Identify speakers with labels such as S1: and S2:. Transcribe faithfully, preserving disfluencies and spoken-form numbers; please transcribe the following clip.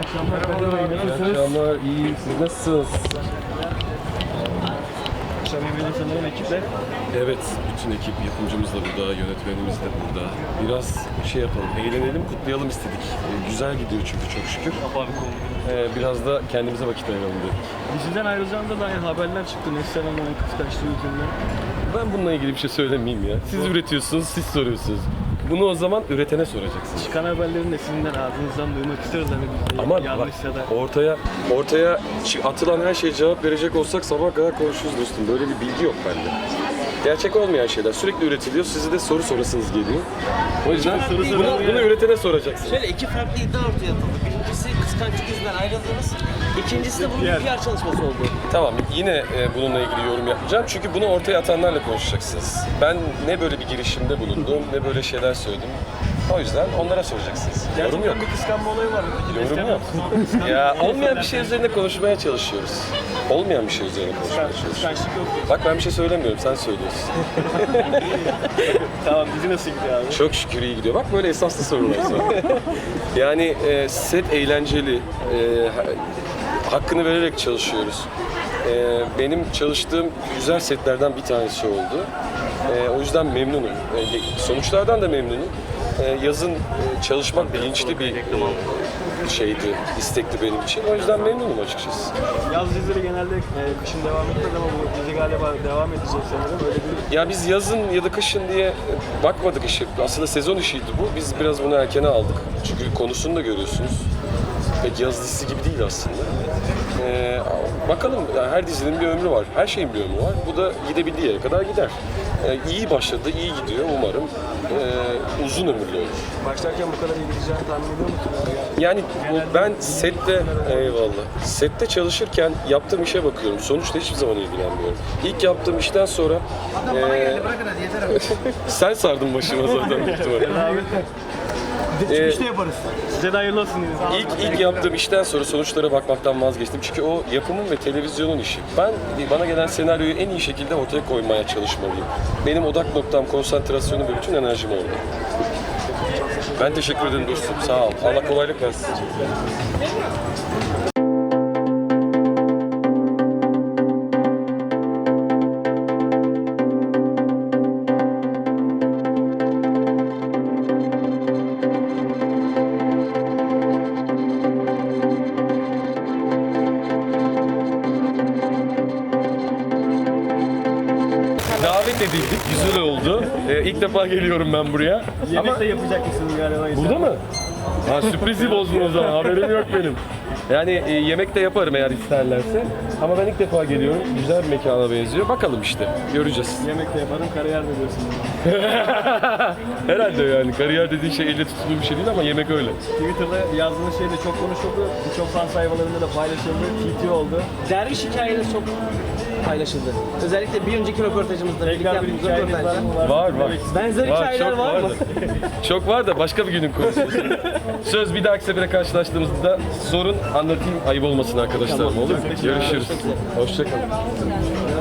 S1: akşamlar.
S2: İyi akşamlar, iyi. Siz nasılsınız?
S1: Akşam yemeğinde sanırım ekiple.
S2: Evet, bütün ekip, yapımcımız da burada, yönetmenimiz de burada. Biraz şey yapalım, eğlenelim, kutlayalım istedik. Ee, güzel gidiyor çünkü çok şükür.
S1: Kapağı bir konu.
S2: Ee, biraz da kendimize vakit ayıralım dedik.
S1: Diziden ayrılacağında dair haberler çıktı. Neslihan Hanım'ın kıskançlığı yüzünden.
S2: Ben bununla ilgili bir şey söylemeyeyim ya. Siz üretiyorsunuz, siz soruyorsunuz. Bunu o zaman üretene soracaksınız.
S1: Çıkan haberlerin de sizin ağzınızdan duymak isteriz. Hani biz de
S2: Ama bak,
S1: yanlışsa da.
S2: ortaya ortaya çı- atılan her şeye cevap verecek olsak sabah kadar konuşuruz dostum. Böyle bir bilgi yok bende. Gerçek olmayan şeyler sürekli üretiliyor. Size de soru sorasınız geliyor. O yüzden
S1: soru
S2: bunu,
S1: soralım
S2: bunu
S1: ya.
S2: üretene soracaksınız.
S3: Şöyle iki farklı iddia ortaya atıldı. Birincisi kıskançlık yüzünden ayrıldınız. İkincisi de bunun bir P R çalışması oldu.
S2: Tamam, yine e, bununla ilgili yorum yapacağım. Çünkü bunu ortaya atanlarla konuşacaksınız. Ben ne böyle bir girişimde bulundum, ne böyle şeyler söyledim. O yüzden onlara soracaksınız. Yorum yok.
S1: Gerçekten bir kıskanma olayı var mı? Peki
S2: Yorum
S1: Neslihan
S2: yok.
S1: Hanım kıskandı.
S2: Ya olmayan bir şey üzerine konuşmaya çalışıyoruz. Olmayan bir şey üzerine konuşmaya çalışıyoruz.
S1: Kıskançlık yok.
S2: Bak ben bir şey söylemiyorum, sen söylüyorsun.
S1: Tamam, dizi nasıl gidiyor abi?
S2: Çok şükür iyi gidiyor. Bak böyle esaslı sorular sonra. Yani e, set eğlenceli, e, ha- hakkını vererek çalışıyoruz. E, benim çalıştığım güzel setlerden bir tanesi oldu. E, o yüzden memnunum. E, sonuçlardan da memnunum. E, yazın e, çalışmak bilinçli bir e, şeydi, istekti benim için. O yüzden memnunum açıkçası.
S1: Yaz dizileri genelde e, kışın devam etmez ama bu dizi galiba devam edecek sanırım. Öyle bir
S2: Ya biz yazın ya da kışın diye bakmadık işe. Aslında sezon işiydi bu. Biz biraz bunu erkene aldık. Çünkü konusunu da görüyorsunuz. Pek yaz dizisi gibi değil aslında. Ee, bakalım, yani her dizinin bir ömrü var. Her şeyin bir ömrü var. Bu da gidebildiği yere kadar gider. Ee, iyi başladı, iyi gidiyor umarım. Ee, uzun ömürlü olur.
S1: başlarken bu kadar iyi gideceğini tahmin ediyor musunuz?
S2: Yani bu, ben sette, eyvallah, sette çalışırken yaptığım işe bakıyorum. Sonuçta hiçbir zaman ilgilenmiyorum. İlk yaptığım işten sonra ee, sen sardın başıma zaten büyük ihtimalle. Ee,
S1: İşte yaparız. Size de hayırlı olsun dedim.
S2: İlk, ilk yaptığım işten sonra sonuçlara bakmaktan vazgeçtim. Çünkü o yapımın ve televizyonun işi. Ben bana gelen senaryoyu en iyi şekilde ortaya koymaya çalışmalıyım. Benim odak noktam, konsantrasyonum ve bütün enerjim orada. Ben teşekkür ederim dostum. Sağ ol. Allah kolaylık versin. Davet edildik, güzel oldu. Ee, ilk defa geliyorum ben buraya.
S1: Yemek
S2: Ama
S1: de yapacak mısınız galiba?
S2: burada mı? Ha, sürprizi bozdun o zaman, haberim yok benim. Yani e, yemek de yaparım eğer isterlerse. Ama ben ilk defa geliyorum, güzel bir mekana benziyor. Bakalım işte, göreceğiz.
S1: Yemek de yaparım, kariyer de diyorsunuz.
S2: Herhalde yani, kariyer dediğin şey elle tutulur bir şey değil ama yemek öyle.
S1: Twitter'da yazdığınız şey de çok konuşuldu. Birçok fan sayfalarında da paylaşıldı. T T oldu.
S3: Derviş hikayeleri çok paylaşıldı. Özellikle bir önceki röportajımızda birlikte
S1: Tekrar bir
S3: yaptığımız
S1: hikayeniz
S3: röportajda.
S1: var mı?
S2: Var var.
S3: Benzer hikayeler
S2: çok
S3: var mı?
S2: da. Çok var da başka bir günün konusu. Söz, bir dahaki sefere karşılaştığımızda sorun, anlatayım, ayıp olmasın arkadaşlarım, olur mu? Görüşürüz. Hoşçakalın.